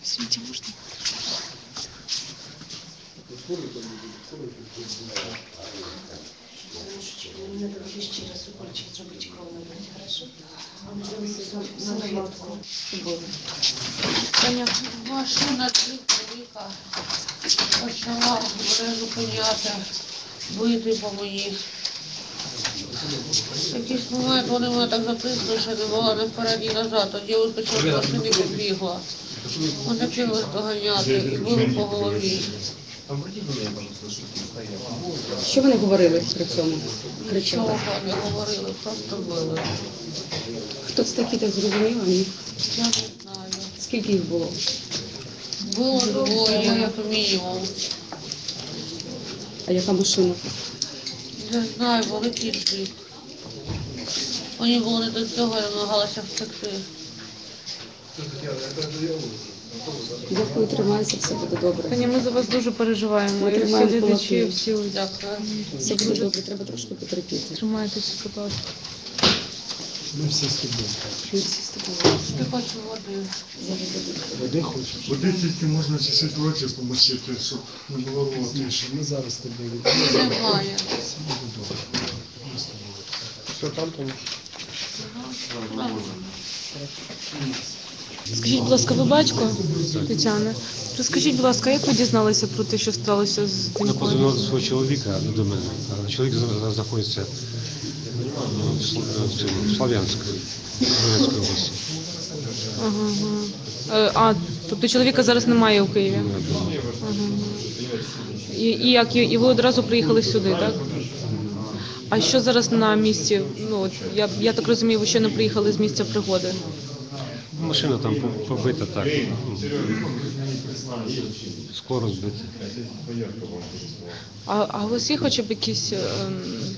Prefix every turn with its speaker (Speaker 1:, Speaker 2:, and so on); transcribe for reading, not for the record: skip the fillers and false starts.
Speaker 1: Извините, можно?
Speaker 2: Мне надо буде ще раз укольчик зробити кров набрати, хорошо? Самоватку.
Speaker 1: Таня, машина тихо. Почала мене зупиняти, бити по мені. Якийсь момент вони мене так затиснули, що не могла не вперед, ні назад. Тоді вискочила з машини і побігла. Мене кинулись доганяти і били по голові.
Speaker 3: Що вони говорили при цьому?
Speaker 1: Нічого не говорили, просто били.
Speaker 3: Хто це такі, так зрозуміло? Ні?
Speaker 1: Я не знаю.
Speaker 3: Скільки їх було?
Speaker 1: Було двоє, як мінімум.
Speaker 3: А яка машина?
Speaker 1: Не знаю, великий джип. Мені було не до цього, я намагалася втекти.
Speaker 3: Дякую, тримайся, все буде добре.
Speaker 4: Таня, ми за вас дуже переживаємо.
Speaker 3: Ми
Speaker 4: І всі
Speaker 3: тримаємо
Speaker 4: глядачі,
Speaker 3: кулаки.
Speaker 4: всі
Speaker 1: Дякую.
Speaker 3: Все буде добре, треба трошки потерпіти.
Speaker 4: тримайтеся, будь ласка.
Speaker 5: Ми всі з тобою.
Speaker 3: Ми всі з тобою.
Speaker 1: Я хочу води.
Speaker 3: Зараз буде.
Speaker 5: Води хочеш?
Speaker 6: Води тільки можна ці ситуації помочити, щоб не було рвоти.
Speaker 5: Ми зараз з тобою
Speaker 1: Немає.
Speaker 5: Все буде добре. Ми з тобою.
Speaker 6: Все там, тому
Speaker 4: Скажіть, будь ласка, ви батько Тетяни? Розкажіть, будь ласка, як ви дізналися про те, що сталося з
Speaker 7: Я
Speaker 4: донькою?
Speaker 7: подзвонив до свого чоловіка, до мене. А чоловік зараз знаходиться в Слов'янську, Донецької області.
Speaker 4: Ага. Тобто чоловіка зараз немає у Києві? Ага. І ви одразу приїхали сюди, так? А що зараз на місці? Ну, от, я так розумію, ви ще не приїхали з місця пригоди.
Speaker 7: Машина там побита так. Скоро збита.
Speaker 4: А у вас є хоча б якісь